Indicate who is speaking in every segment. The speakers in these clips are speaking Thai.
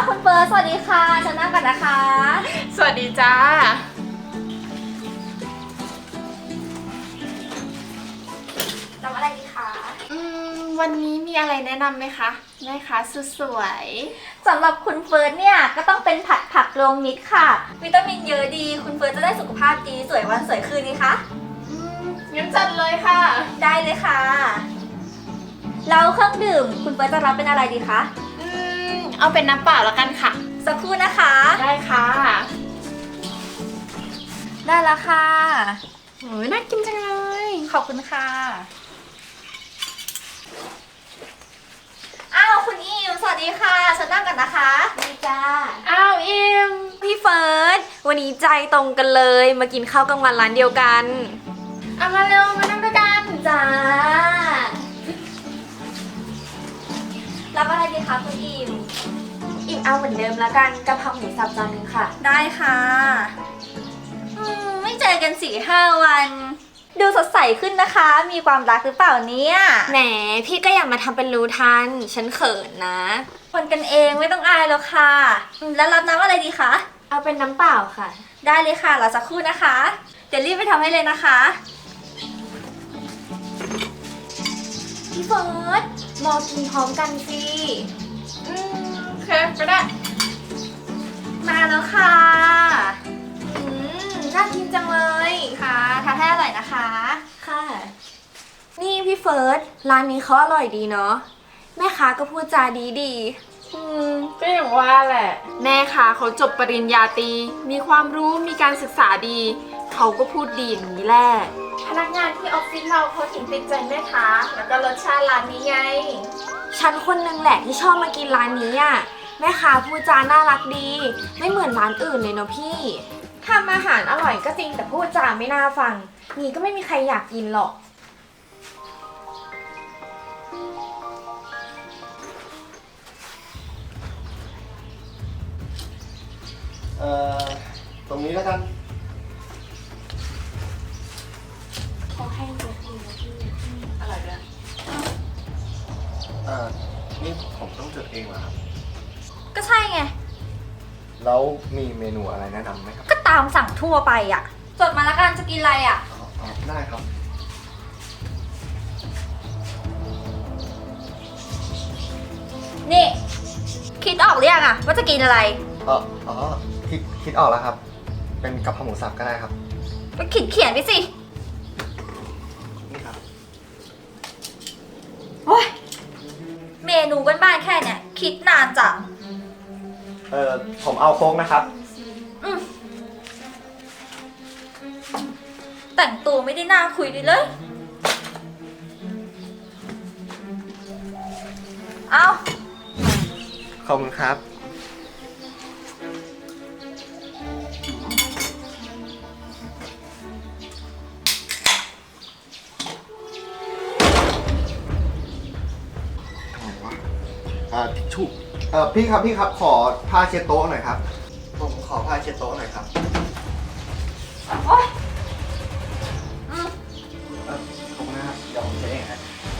Speaker 1: คุณเฟิร์สสวัสดีค่ะฉันนั่งกันนะคะ
Speaker 2: สวัสดีจ้า
Speaker 1: รับอะไรดีคะ
Speaker 2: วันนี้มีอะไรแนะนำไหมคะแม่ค้าสุดสวย
Speaker 1: สำหรับคุณเฟิร์สเนี่ยก็ต้องเป็นผัดผักรวมมิตรค่ะวิตามินเยอะดีคุณเฟิร์สจะได้สุขภาพดีสวยวันสวยคืนนี้คะ
Speaker 2: งั้นจัดเลยค่ะ
Speaker 1: ได้เลยค่ะแล้วเครื่องดื่มคุณเฟิร์สจะรับเป็นอะไรดีคะ
Speaker 2: เอาเป็นน้ำเปล่าแล้วกันค่ะ
Speaker 1: สักครู่นะคะ
Speaker 2: ได้ค่ะ
Speaker 1: ได้แล้วค่ะ
Speaker 2: โอ้ยน่ากินจังเลย
Speaker 1: ขอบคุณค่ะอ้าวคุณอิมสวัสดีค่ะฉันนั่งกันนะคะดีจ้า
Speaker 2: อ้าวอิม
Speaker 3: พี่เฟิร์สวันนี้ใจตรงกันเลยมากินข้าวกลางวันร้านเดียวกัน
Speaker 2: เอามาเร็วมานั่งด้วยกัน
Speaker 1: จ้ารับอะไรดีคะคุณอิม
Speaker 3: อิ่มเอาเหมือนเดิมแล้วกันกะเพราหมูสับจานนึงค่ะ
Speaker 1: ได้ค่ะไม่เจอกัน4-5 วัน ดูสดใสขึ้นนะคะ มีความรักหรือเปล่าเนี่ย
Speaker 3: แหมพี่ก็อย่ามาทำเป็นรู้ทันฉันเขินนะ
Speaker 1: คนกันเองไม่ต้องอายแล้วค่ะแล้วรับน้ำอะไรดีคะ
Speaker 3: เอาเป็นน้ำเปล่าค่ะ
Speaker 1: ได้เลยค่ะรอสักครู่นะคะ เดี๋ยวรีบไปทำให้เลยนะคะ
Speaker 3: พี่เฟิร์สรอกินพร้อมกันสิ
Speaker 2: โอเคก็ได้
Speaker 1: มาแล้วค่ะ
Speaker 3: น่ากินจังเลย
Speaker 1: ค่ะทานให้อร่อยนะคะ
Speaker 3: ค่ะ นี่พี่เฟิร์สร้านนี้เขาอร่อยดีเนาะแม่ค้าก็พูดจาดี
Speaker 2: ก็อย่างว่าแหละ แม่ค้าเขาจบปริญญาตรีมีความรู้มีการศึกษาดี เขาก็พูดดีอย่างนี้แหละ พนักงานที่ออฟฟิศเราเขาถึงติดใจแม่ค้าแล้วก็รสชาติร้านนี้ไง
Speaker 3: ฉันคนนึงแหละที่ชอบมากินร้านนี้อ่ะแม่ค้าพูดจาน่ารักดี ไม่เหมือนร้านอื่นเลยเนาะพี่ทำอาหารอร่อยก็จริงแต่พูดจาไม่น่าฟังนี่ก็ไม่มีใครอยากกินหรอก
Speaker 4: เอ่อตรงนี้แล้วกัน
Speaker 3: เขาให้เยอะดีนะพี่
Speaker 2: อะไรเนี่ย
Speaker 4: นี่ผมต้องจดเองเหรอครับ
Speaker 1: ก็ใช่ไง
Speaker 4: แล้วมีเมนูอะไรแนะนำไหมครับ
Speaker 1: ก็ตามสั่งทั่วไปอ่ะจดมาแล้วกันจะกินอะไรอ่ะ
Speaker 4: ได้ครับ
Speaker 1: นี่ คิดออกหรือยังอ่ะว่าจะกินอะไร
Speaker 4: อ๋อคิดออกแล้วครับ เป็นกะเพราหมูสับก็ได้ครับ
Speaker 1: ก็เขียนไปสิ
Speaker 4: นี่ครับ
Speaker 1: โอ้ยเมนูบ้านๆแค่เนี้ยคิดนานจัง
Speaker 4: ผมเอาโค้กนะครับ
Speaker 1: แต่งตัวไม่ได้น่าคุยเลย เอา
Speaker 4: ขอบคุณครับ ทำไมวะทิชชู่พี่ครับ ขอผ้าเช็ดโต๊ะหน่อยครับ ผมขอผ้าเช็ดโต๊ะหน่อยครับ
Speaker 1: โอ๊ย
Speaker 4: ขอบคุณนะครับเดี๋ยวผมจะเองฮะ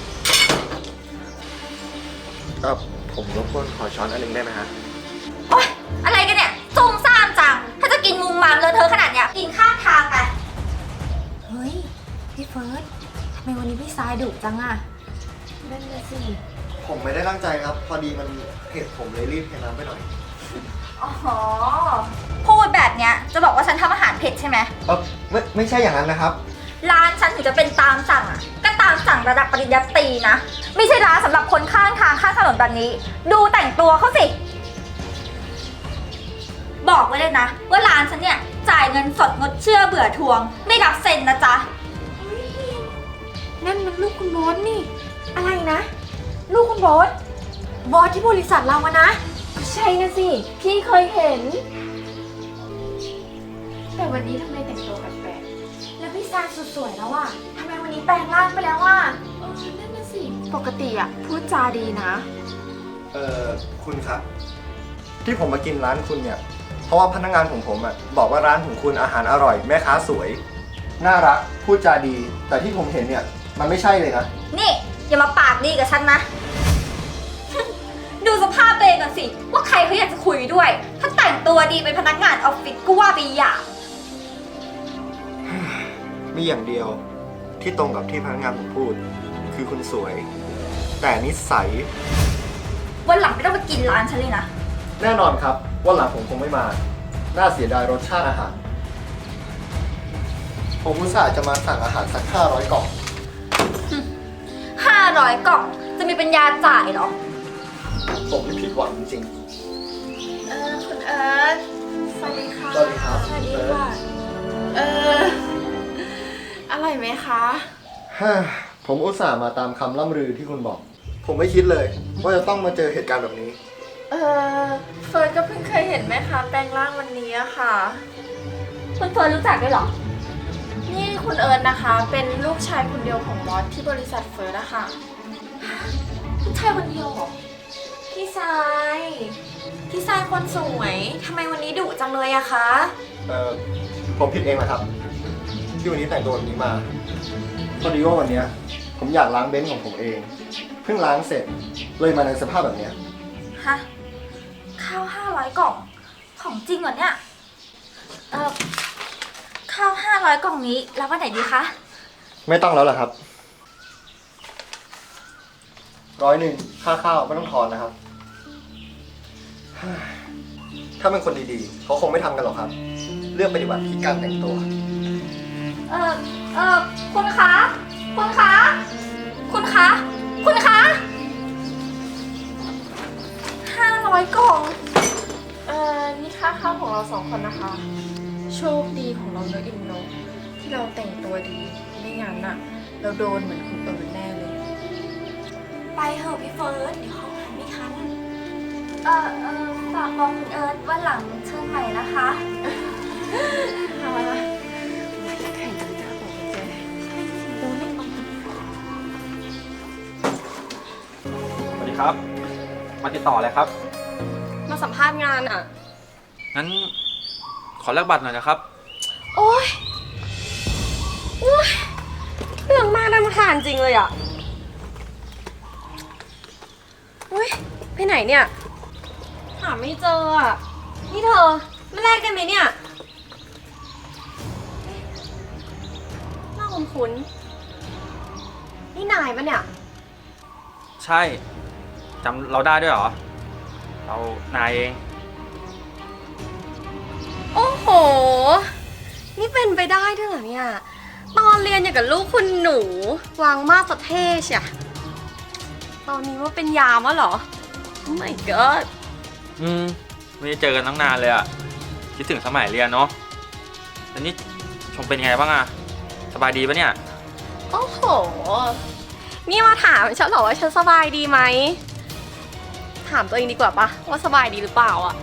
Speaker 4: ผมรบกวนขอช้อนอันหนึงได้ไหมฮะ
Speaker 1: โอ๊ยอะไรกันเนี่ยซุ่มซ่ามจัง ถ้าจะกินมุมมามเลอะเทอะขนาดเนี้ยกินข้างทางไป
Speaker 3: เฮ้ยพี่เฟิร์สทำไมวันนี้พี่สายดุจังอะนั่นน่ะสิ
Speaker 4: ผมไม่ได้ตั้งใจครับ พอดีมันเผ็ดผมเลยรีบเทน้ำไปหน่อย
Speaker 1: อ๋อ พูดแบบเนี้ยจะบอกว่าฉันทำอาหารเผ็ดใช่ไหม
Speaker 4: ไม่ใช่อย่างนั้นนะครับ
Speaker 1: ร้านฉันถึงจะเป็นตามสั่งอ่ะ ก็ตามสั่งระดับปริญญาตรีนะ ไม่ใช่ร้านสำหรับคนข้างทางข้างถนนแบบนี้ ดูแต่งตัวเขาสิ บอกไว้เลยนะ ว่าร้านฉันเนี่ยจ่ายเงินสดงดเชื่อเบื่อทวง ไม่รับเซ็นนะจ๊ะ
Speaker 3: นั่นมันลูกคุณโบ๊ทนี่ อะไรนะ ลูกคุณโบ๊ทบอสที่บริษัทเราอะนะ ใช่นะสิ พี่เคยเห็น
Speaker 2: แต่วันนี้ทำไมแต่งตัวแปลก
Speaker 3: แล้วพี่สายสุดสวยแล้วอะทำไมวันนี้แปลงร่างไปแล้วอะ
Speaker 2: ๆนั่นน่ะสิ ปกติอะพูดจาดีนะ
Speaker 4: คุณครับ ที่ผมมากินร้านคุณเนี่ย เพราะว่าพนักงานของผมบอกว่าร้านของคุณอาหารอร่อย แม่ค้าสวย น่ารัก พูดจาดี แต่ที่ผมเห็นเนี่ย มันไม่ใช่เลยนะ
Speaker 1: นี่ อย่ามาปากดีกับฉันนะ ดูสภาพตัวเองก่อนสิ ว่าใครเขาอยากจะคุยดีเป็นพนักงานออฟฟิศก็ว่าไปอย่าง
Speaker 4: มีอย่างเดียวที่ตรงกับที่พนักงานผมพูด คือคุณสวย แต่นิสัย
Speaker 1: วันหลังไม่ต้องมากินร้านฉันเลยนะ
Speaker 4: แน่นอนครับว่าหลังผมคงไม่มา น่าเสียดายรสชาติอาหาร ผมอุตส่าห์จะมาสั่งอาหารสัก500 กล่อง
Speaker 1: 500 กล่องจะมีปัญญาจ่ายเหรอ
Speaker 4: ผมไม่ผิดหวังจริง
Speaker 2: คุณเอิร์ธสวัสดีค่ะ
Speaker 4: ๆสวัสดีครับ
Speaker 3: สวัสดีค่ะ
Speaker 2: อร่อยไหมคะ
Speaker 4: ผมอุตส่าห์มาตามคำล่ำลือที่คุณบอก ผมไม่คิดเลย ว่าจะต้องมาเจอเหตุการณ์แบบนี้
Speaker 2: เฟิร์นก็เพิ่งเคยเห็นแม่ค้าแปลงร่างวันนี้อะค่ะ
Speaker 1: คุณเฟิร์นรู้จักด้วยเหรอ
Speaker 2: นี่คุณเอิร์ธนะคะ เป็นลูกชายคนเดียวของบอสที่บริษัทเฟิร์นอะค่ะ
Speaker 1: ผู้ชายคนเดียวเหรอ
Speaker 3: พี่ทรายพี่ทรายคนสวยทำไมวันนี้ดุจังเลยอะคะ
Speaker 4: ผมผิดเองนะครับ ที่วันนี้แต่งตัวแบบนี้มา พอดีว่าวันเนี้ยผมอยากล้างเบนซ์ของผมเอง เพิ่งล้างเสร็จ เลยมาในสภาพแบบเนี้ย
Speaker 1: ฮะ ข้าว 500 กล่อง ของจริงเหรอเนี่ย ข้าว 500 กล่องนี้รับวันไหนดีคะ
Speaker 4: ไม่ต้องแล้วเหรอครับ 100ค่าข้าวไม่ต้องทอนนะครับ ถ้าเป็นคนดีๆ เขาคงไม่ทำกันหรอกครับ เรื่องปฏิบัติที่การแต่งตัว
Speaker 1: คุณคะ คุณคะ คุณคะ คุณคะ 500 กล่อง
Speaker 2: นี่ค่าข้าวของเรา2 คนนะคะ โชคดีของเราเนอะอินโนที่เราแต่งตัวดี ไม่งั้นอะเราโดนเหมือนคุณเอิร์ธแน่เลย
Speaker 3: ไปเถอะพี่เฟิร์สเดี๋ยวเขาไม่ทัน
Speaker 1: ฝากบอกคุณเอิร์ธว่าหลังเชิญใหม่นะคะ
Speaker 2: แข่งกันจะบอกเจ๊
Speaker 5: สวัสดีครับ มาติดต่ออะไรครับ
Speaker 3: มาสัมภาษณ์งานอะ
Speaker 5: งั้นขอแลกบัตรหน่อยนะครับ
Speaker 3: โอ๊ยเรื่องมากน่ารำคาญจริงเลยอะอุ้ยไปไหนเนี่ย หาไม่เจออะนี่เธอไม่แลกกันไหมเนี่ยน่าคุ้นๆนี่นายปะเนี่ย
Speaker 5: ใช่จำเราได้ด้วยเหรอ เรานายเอง
Speaker 3: โอ้โห นี่เป็นไปได้ด้วยเหรอเนี่ย ตอนเรียนอย่างกับลูกคุณหนู วางมาสเท่เชียตอนนี้ว่าเป็นยามวะเหรอ Oh my god
Speaker 5: ไม่ได้เจอกันตั้งนานเลยอะคิดถึงสมัยเรียนเนาะแล้วนี่ชมเป็นไงบ้างอะสบายดีปะเนี่ย
Speaker 3: โอ้โห นี่มาถามฉันเหรอว่าฉันสบายดีไหม ถามตัวเองดีกว่าปะว่าสบายดีหรือเปล่าอะ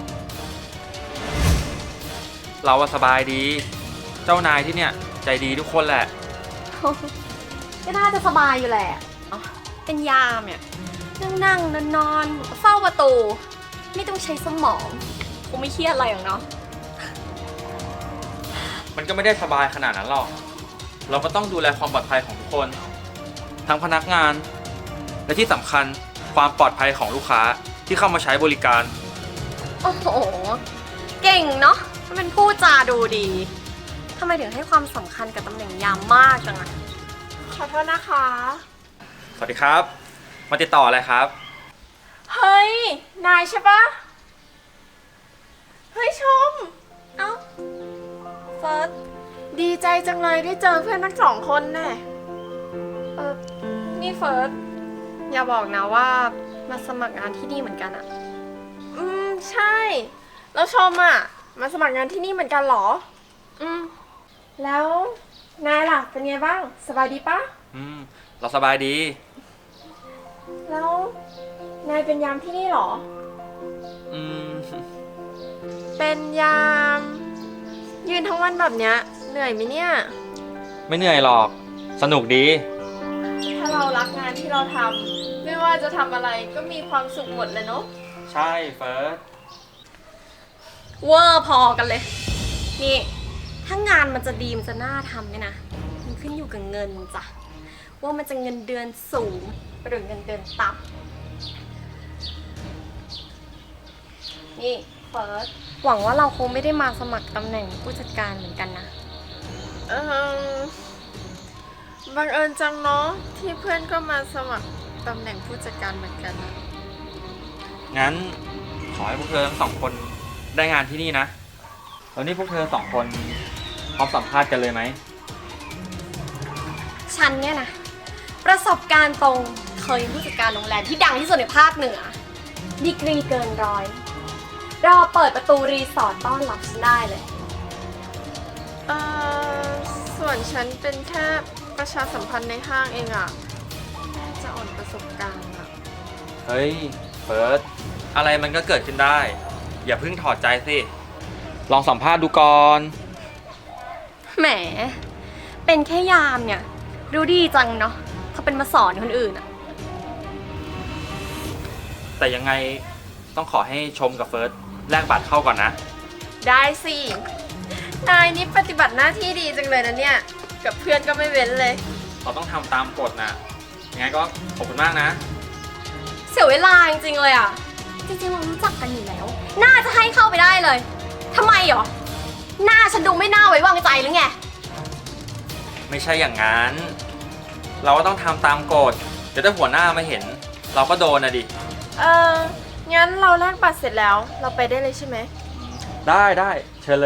Speaker 5: เราว่าสบายดี เจ้านายที่เนี่ยใจดีทุกคนแหละ
Speaker 3: ก็น่าจะสบายอยู่แหละอ๋อเป็นยามเนี่ย นั่งนอนเฝ้าประตู ไม่ต้องใช้สมองคงไม่เครียดอะไรหรอกเนาะ
Speaker 5: มันก็ไม่ได้สบายขนาดนั้นหรอก เราก็ต้องดูแลความปลอดภัยของทุกคน ทั้งพนักงาน และที่สำคัญความปลอดภัยของลูกค้าที่เข้ามาใช้บริการ
Speaker 3: โอ้โห เก่งเนาะมันเป็นผู้จาดูดีทำไมถึงให้ความสำคัญกับตำแหน่งยามมากจังอะ
Speaker 2: ขอโทษนะคะ
Speaker 5: สวัสดีครับ มาติดต่ออะไรครับ
Speaker 2: เฮ้ย นายใช่ปะเฮ้ยชม
Speaker 3: เอ้าเฟิร์ส
Speaker 2: ดีใจจังเลยได้เจอเพื่อนทั้ง2 คนแน่
Speaker 3: นี่เฟิร์สอย่าบอกนะว่ามาสมัครงานที่นี่เหมือนกันอะ
Speaker 2: ใช่ แล้วชมอ่ะ มาสมัครงานที่นี่เหมือนกันเหรอ แล้วนายล่ะ เป็นไงบ้าง สบายดีปะ
Speaker 5: เราสบายดี
Speaker 2: แล้วนายเป็นยามที่นี่เหรอ
Speaker 5: อืม
Speaker 2: เป็นยาม ยืนทั้งวันแบบเนี้ยเหนื่อยไหมเนี่ย
Speaker 5: ไม่เหนื่อยหรอก สนุกดี
Speaker 2: ถ้าเรารักงานที่เราทำไม่ว่าจะทำอะไรก็มีความสุขหมดเลยเนาะ
Speaker 5: ใช่เฟิร์ส
Speaker 3: เวอร์พอกันเลย นี่ ถ้างานมันจะดีมันจะน่าทำเนี่ยนะ มันขึ้นอยู่กับเงินจ้ะ ว่ามันจะเงินเดือนสูงหรือเงินเดือนต่ำนี่เฟิร์ส หวังว่าเราคงไม่ได้มาสมัครตำแหน่งผู้จัดการเหมือนกันนะ
Speaker 2: บังเอิญจังเนาะที่เพื่อนก็มาสมัครตำแหน่งผู้จัดการเหมือนกันอะ
Speaker 5: งั้นขอให้พวกเธอทั้งสองคนได้งานที่นี่นะ แล้วนี่พวกเธอสองคนพร้อมสัมภาษณ์กันเลยไหม
Speaker 3: ฉันเนี่ยนะ ประสบการณ์ตรงเคยเป็นผู้จัดการโรงแรมที่ดังที่สุดในภาคเหนือ ดีกรีเกินร้อย รอเปิดประตูรีสอร์ทต้อนรับฉันได้เลย
Speaker 2: ส่วนฉันเป็นแค่ประชาสัมพันธ์ในห้างเองอะจะอ่อนประสบการณ์อะ
Speaker 5: เฮ้ยเฟิร์สอะไรมันก็เกิดขึ้นได้ อย่าเพิ่งถอดใจสิ ลองสัมภาษณ์ดูก่อน
Speaker 3: แหม เป็นแค่ยามเนี่ย รู้ดีจังเนาะเขาเป็นมาสอนคนอื่นอะ
Speaker 5: แต่ยังไงต้องขอให้ชมกับเฟิร์สแลกบัตรเข้าก่อนนะ
Speaker 2: ได้สิ นายนี่ปฏิบัติหน้าที่ดีจังเลยนะเนี่ย กับเพื่อนก็ไม่เว้นเลย
Speaker 5: เราต้องทำตามกฎนะยังไงก็ขอบคุณมากนะ
Speaker 3: เสียเวลาจริงๆเลยอะจริงๆเรารู้จักกันอยู่แล้ว น่าจะให้เข้าไปได้เลยทำไมหรอ หน้าฉันดูไม่น่าไว้วางใจหรือไง
Speaker 5: ไม่ใช่อย่างนั้น เราก็ต้องทำตามกฎเดี๋ยวถ้าหัวหน้ามาเห็น เราก็โดนนะดิ
Speaker 2: งั้นเราแลกบัตรเสร็จแล้วเราไปได้เลยใช่ไหม
Speaker 5: ได้เชิญเลย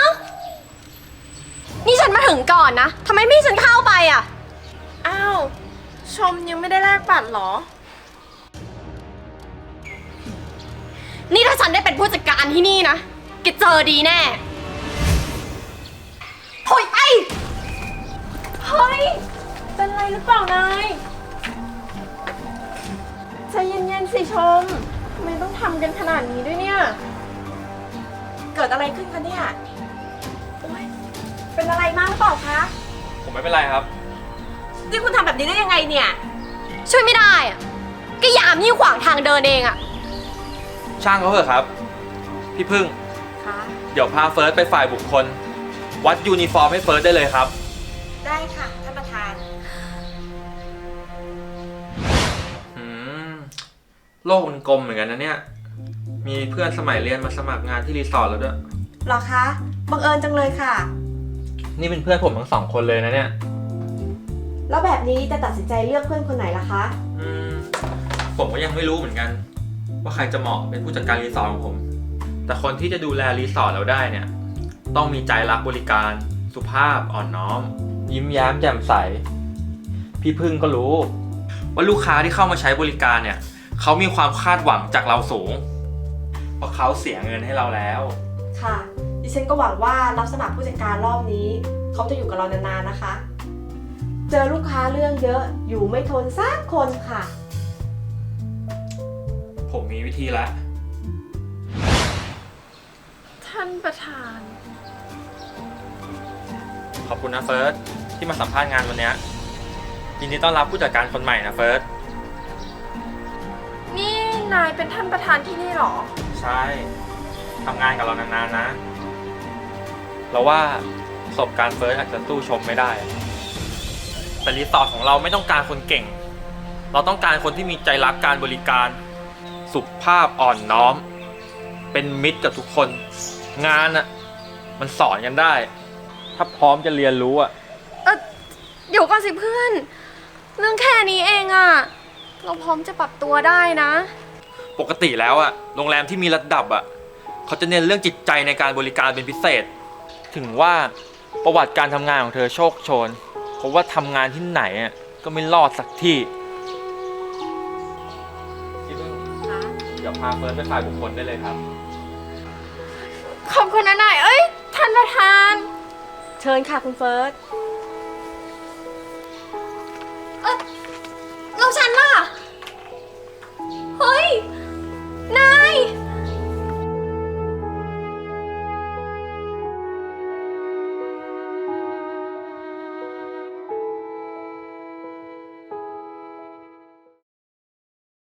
Speaker 3: นี่ฉันมาถึงก่อนนะทำไมไม่ให้ฉันเข้าไปอะ
Speaker 2: อ้าว ชมยังไม่ได้แลกบัตรเหรอ
Speaker 3: นี่ถ้าฉันได้เป็นผู้จัดการที่นี่นะแกเจอดีแน่โอยไอ้เฮ้ย
Speaker 2: เป็นไรหรือเปล่านายใจเย็นๆสิชมทำไมต้องทำกันขนาดนี้ด้วยเนี่ย เกิดอะไรขึ้นคะเนี่ย
Speaker 3: เป็นอะไรมากหรือเปล่าคะ
Speaker 5: ผมไม่เป็นไรครับ
Speaker 3: นี่คุณทำแบบนี้ได้ยังไงเนี่ย ช่วยไม่ได้อะก็ยามยิ่งขวางทางเดินเองอะ
Speaker 5: ช่างเขาเถอะครับ พี่พึ่ง
Speaker 3: คะ
Speaker 5: เดี๋ยวพาเฟิร์สไปฝ่ายบุคคล วัดยูนิฟอร์มให้เฟิร์สได้เลยครับ
Speaker 3: ได้ค่ะท่านประธาน
Speaker 5: โลกมันกลมเหมือนกันนะเนี่ย มีเพื่อนสมัยเรียนมาสมัครงานที่รีสอร์ทแล้วด้วย
Speaker 3: หรอคะ บังเอิญจังเลยค่ะ
Speaker 5: นี่เป็นเพื่อนผมทั้งสองคนเลยนะเนี่ย
Speaker 3: แล้วแบบนี้จะตัดสินใจเลือกเพื่อนคนไหนล่ะคะ
Speaker 5: ผมก็ยังไม่รู้เหมือนกัน ว่าใครจะเหมาะเป็นผู้จัดการรีสอร์ทของผม แต่คนที่จะดูแลรีสอร์ทเราได้เนี่ย ต้องมีใจรักบริการ สุภาพอ่อนน้อม ยิ้มแย้มแจ่มใส พี่พึ่งก็รู้ ว่าลูกค้าที่เข้ามาใช้บริการเนี่ยเขามีความคาดหวังจากเราสูง เพราะเขาเสียเงินให้เราแล้ว
Speaker 6: ค่ะ ดิฉันก็หวังว่ารับสมัครผู้จัดการรอบนี้ เขาจะอยู่กับเรานานๆนะคะ เจอลูกค้าเรื่องเยอะอยู่ไม่ทนสักคนค่ะ
Speaker 5: ผมมีวิธีแล้ว
Speaker 2: ท่านประธาน
Speaker 5: ขอบคุณนะเฟิร์สที่มาสัมภาษณ์งานวันเนี้ยยินดีต้อนรับผู้จัดการคนใหม่นะเฟิร์ส
Speaker 2: นี่นายเป็นท่านประธานที่นี่เหรอ
Speaker 5: ใช่ทำงานกับเรานานๆนะ เราว่าประสบการณ์เฟิร์สอาจจะสู้ชมไม่ได้ แต่รีสอร์ทของเราไม่ต้องการคนเก่ง เราต้องการคนที่มีใจรักการบริการ สุภาพอ่อนน้อม เป็นมิตรกับทุกคน งานอ่ะมันสอนกันได้ ถ้าพร้อมจะเรียนรู้อ่ะ
Speaker 3: เดี๋ยวก่อนสิเพื่อน เรื่องแค่นี้เองอะเราพร้อมจะปรับตัวได้นะ
Speaker 5: ปกติแล้วอะโรงแรมที่มีระดับอะเขาจะเน้นเรื่องจิตใจในการบริการเป็นพิเศษ ถึงว่าประวัติการทำงานของเธอโชคโชนเพราะว่าทำงานที่ไหนอะก็ไม่รอดสักที่เดี๋ยวพาเฟิร์สไปฝ่ายบุคคลได้เลยครับ
Speaker 2: ขอบคุณนะนาย เอ้ย ท่านประธาน
Speaker 6: เชิญค่ะคุณเฟิร์ส